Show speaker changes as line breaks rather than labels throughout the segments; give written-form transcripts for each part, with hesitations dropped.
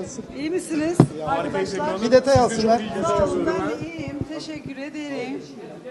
nasılsın?
İyi misiniz arkadaşlar?
Bir detay alsınlar.
Sağ olun, ben de iyiyim. Teşekkür ederim.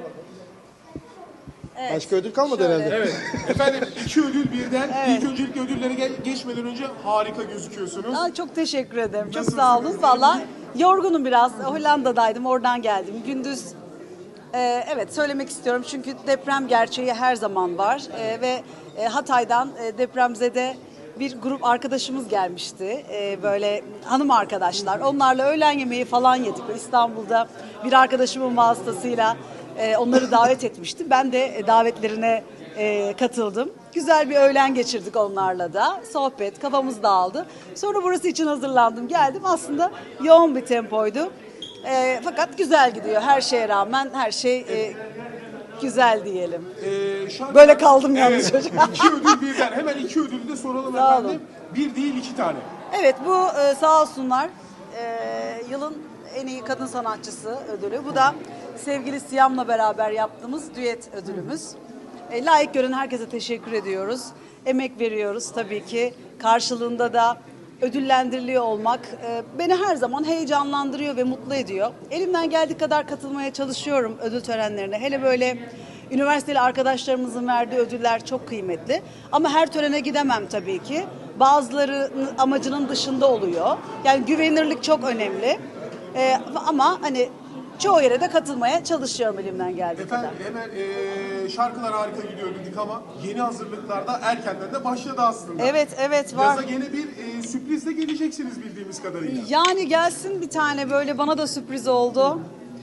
Evet.
Başka ödül kalmadı
Şöyle.
herhalde.
Evet. Efendim 2 ödül birden.
Evet.
İlk öncelikle ödüllere geçmeden önce harika gözüküyorsunuz.
Aa, çok teşekkür ederim. Çok
Nasılsınız?
sağ olun. Valla yorgunum biraz. Hollanda'daydım, oradan geldim. Gündüz evet söylemek istiyorum çünkü deprem gerçeği her zaman var. Ve Hatay'dan depremzede bir grup arkadaşımız gelmişti. Böyle hanım arkadaşlar. Onlarla öğlen yemeği falan yedik. İstanbul'da bir arkadaşımın vasıtasıyla onları davet etmiştim. Ben de davetlerine katıldım. Güzel bir öğlen geçirdik onlarla da. Sohbet, kafamız dağıldı. Sonra burası için hazırlandım. Geldim. Aslında yoğun bir tempoydu. Fakat güzel gidiyor. Her şeye rağmen her şey güzel diyelim. Böyle kaldım yalnız çocuk.
2 ödül birden. Hemen 2 ödülü de soralım
Sağ olun.
efendim. Bir değil 2 tane.
Evet bu sağ olsunlar yılın en iyi kadın sanatçısı ödülü. Bu da sevgili Siyam'la beraber yaptığımız düet ödülümüz. Layık gören herkese teşekkür ediyoruz. Emek veriyoruz tabii ki. Karşılığında da ödüllendiriliyor olmak beni her zaman heyecanlandırıyor ve mutlu ediyor. Elimden geldiği kadar katılmaya çalışıyorum ödül törenlerine. Hele böyle üniversiteli arkadaşlarımızın verdiği ödüller çok kıymetli. Ama her törene gidemem tabii ki. Bazıları amacının dışında oluyor. Yani güvenilirlik çok önemli. Ama hani çoğu yere de katılmaya çalışıyorum elimden geldiği
Efendim
kadar.
hemen şarkılar harika gidiyor dedik ama yeni hazırlıklarda erkenden de başladı aslında.
Evet var.
Yaza gene bir sürprizle geleceksiniz bildiğimiz kadarıyla.
Yani gelsin bir tane böyle bana da sürpriz oldu.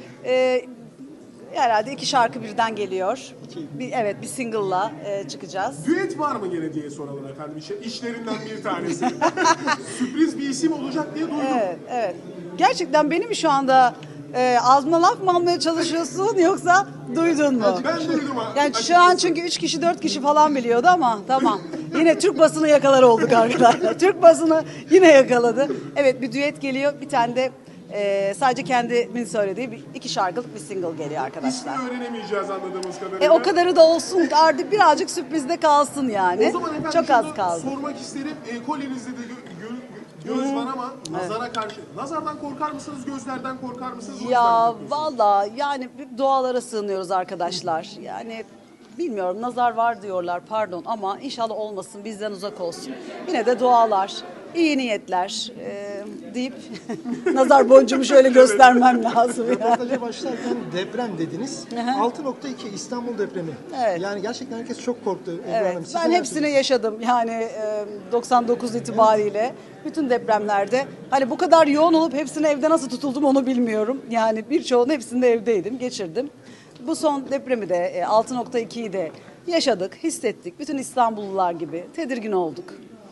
Herhalde 2 şarkı birden geliyor. Evet bir single'la çıkacağız.
Düet var mı gene diye soralım efendim. İşlerinden bir tanesi. Sürpriz bir isim olacak diye duydum.
Evet. Gerçekten beni mi şu anda ağzıma laf mı almaya çalışıyorsun yoksa duydun mu?
Ben duydum.
Yani şu an çünkü 3 kişi 4 kişi falan biliyordu ama tamam. Yine Türk basını yakalar olduk arkadaşlar. Türk basını yine yakaladı. Evet bir düet geliyor. Bir tane de sadece kendimin söylediği 2 şarkılık bir single geliyor arkadaşlar.
İsmini öğrenemeyeceğiz anladığımız kadarıyla.
O kadarı da olsun artık birazcık sürprizde kalsın yani.
O zaman efendim
Çok az
şunu
kaldı.
sormak isterim. Kolyenizde de göz var ama nazara karşı. Nazardan korkar mısınız, gözlerden korkar mısınız? O
Ya
yüzden mi
valla yani dualara sığınıyoruz arkadaşlar. Yani bilmiyorum nazar var diyorlar pardon ama inşallah olmasın bizden uzak olsun. Yine de dualar, iyi niyetler deyip nazar boncuğumu şöyle göstermem lazım. Yani.
Röportaja başlarken deprem dediniz. 6.2 İstanbul depremi.
Evet.
Yani gerçekten herkes çok korktu. Ebru
Evet,
Hanım. Siz
ben
neler
hepsini yaşadım yani 99 itibariyle bütün depremlerde. Hani bu kadar yoğun olup hepsine evde nasıl tutuldum onu bilmiyorum. Yani birçoğunun hepsinde evdeydim, geçirdim. Bu son depremi de 6.2'yi de yaşadık, hissettik. Bütün İstanbullular gibi tedirgin olduk.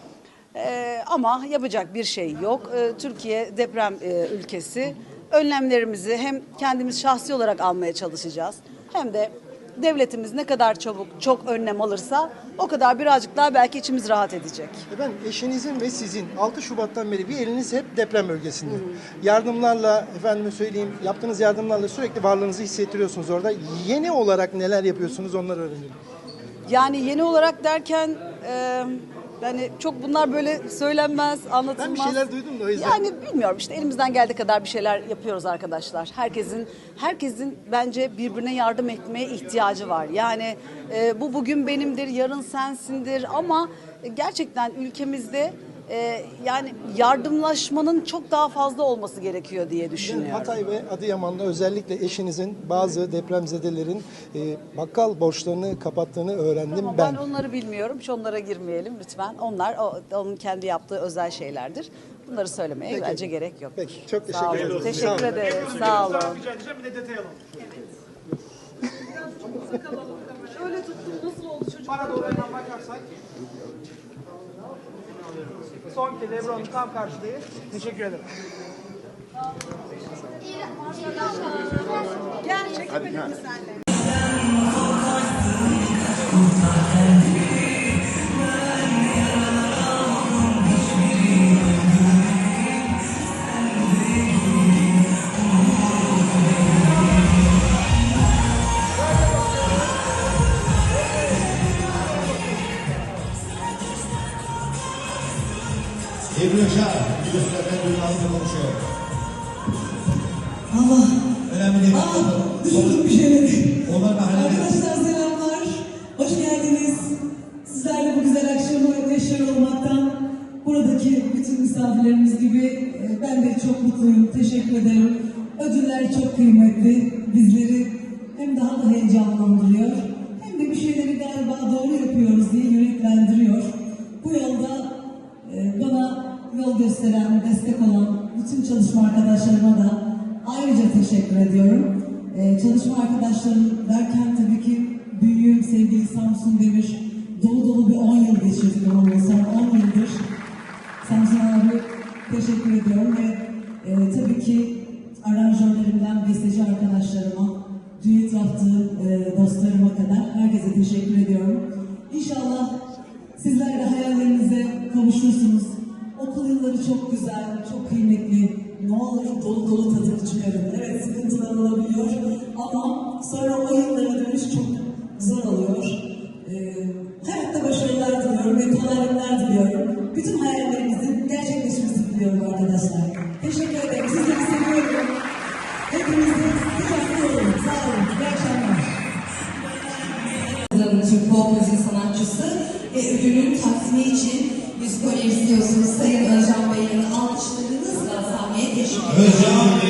Ama yapacak bir şey yok. Türkiye deprem ülkesi. Önlemlerimizi hem kendimiz şahsi olarak almaya çalışacağız hem de devletimiz ne kadar çabuk çok önlem alırsa o kadar birazcık daha belki içimiz rahat edecek.
Efendim eşinizin ve sizin 6 Şubat'tan beri bir eliniz hep deprem bölgesinde. Yardımlarla efendime söyleyeyim yaptığınız yardımlarla sürekli varlığınızı hissettiriyorsunuz orada. Yeni olarak neler yapıyorsunuz onları öğrenelim.
Yani yeni olarak derken yani çok bunlar böyle söylenmez, anlatılmaz.
Ben bir şeyler duydum da o yüzden.
Yani bilmiyorum işte elimizden geldiği kadar bir şeyler yapıyoruz arkadaşlar. Herkesin bence birbirine yardım etmeye ihtiyacı var. Yani bu bugün benimdir, yarın sensindir ama gerçekten ülkemizde yani yardımlaşmanın çok daha fazla olması gerekiyor diye düşünüyorum.
Hatay ve Adıyaman'da özellikle eşinizin bazı depremzedelerin bakkal borçlarını kapattığını öğrendim
Tamam,
ben.
ben onları bilmiyorum. Hiç onlara girmeyelim lütfen. Onlar onun kendi yaptığı özel şeylerdir. Bunları söylemeye
Peki.
bence gerek yok.
Peki çok
Sağ
teşekkür
olun.
ederim.
Teşekkür ederim. Sağ olun.
Rica edeceğim bir de detay alalım.
Şöyle tuttum. Nasıl oldu çocuk?
Para doğru hemen bakarsak. Son kez Ebru Hanım tam karşıdayız. Teşekkür ederim.
Gel çekemedim mi senle?
Ebru Yaşar, ağzıyla konuşuyor.
Allah.
Önemli değil.
Düşündüm bir şeyleri.
Onlar da hallederiz.
Arkadaşlar selamlar. Hoş geldiniz. Sizlerle bu güzel akşamı yaşıyor olmaktan, buradaki bütün misafirlerimiz gibi ben de çok mutluyum. Teşekkür ederim. Ödüller çok kıymetli. Bizleri hem daha da heyecanlandırıyor, hem de bir şeyleri galiba doğru yapıyoruz diye yüreklendiriyor. Bu yolda bana yol gösteren, destek olan bütün çalışma arkadaşlarıma da ayrıca teşekkür ediyorum. Çalışma arkadaşlarım derken tabii ki büyüğüm sevgili Samsun Demir, dolu dolu bir 10 yıl geçirdik onunla, son 10 yıldır. Samsun abi teşekkür ediyorum ve tabii ki aranjörlerimden besteci arkadaşlarıma, düet yaptığı dostlarıma kadar herkese teşekkür ediyorum. İnşallah sizler de hayallerinize kavuşursunuz. Okul yılları çok güzel, çok kıymetli. Ne olur dolu dolu tadını çıkarın. Evet, sıkıntılar olabiliyor ama sonra o yıllara dönüş çok zor oluyor. Hayatta başarılar diliyorum ve kolaylıklar diliyorum. Bütün hayallerinizin gerçekleşmesini diliyorum arkadaşlar. Teşekkür ederim. Sizleri seviyorum. Hepinize kucaklı olun. Sağ olun. İyi akşamlar.
Türk pop müzik sanatçısı ve ödülün takdimi için yüz kolye istiyorsunuz. Sayın Özcan Bey'in alkışlarınızla sahneye teşvik ediyoruz.
Özcan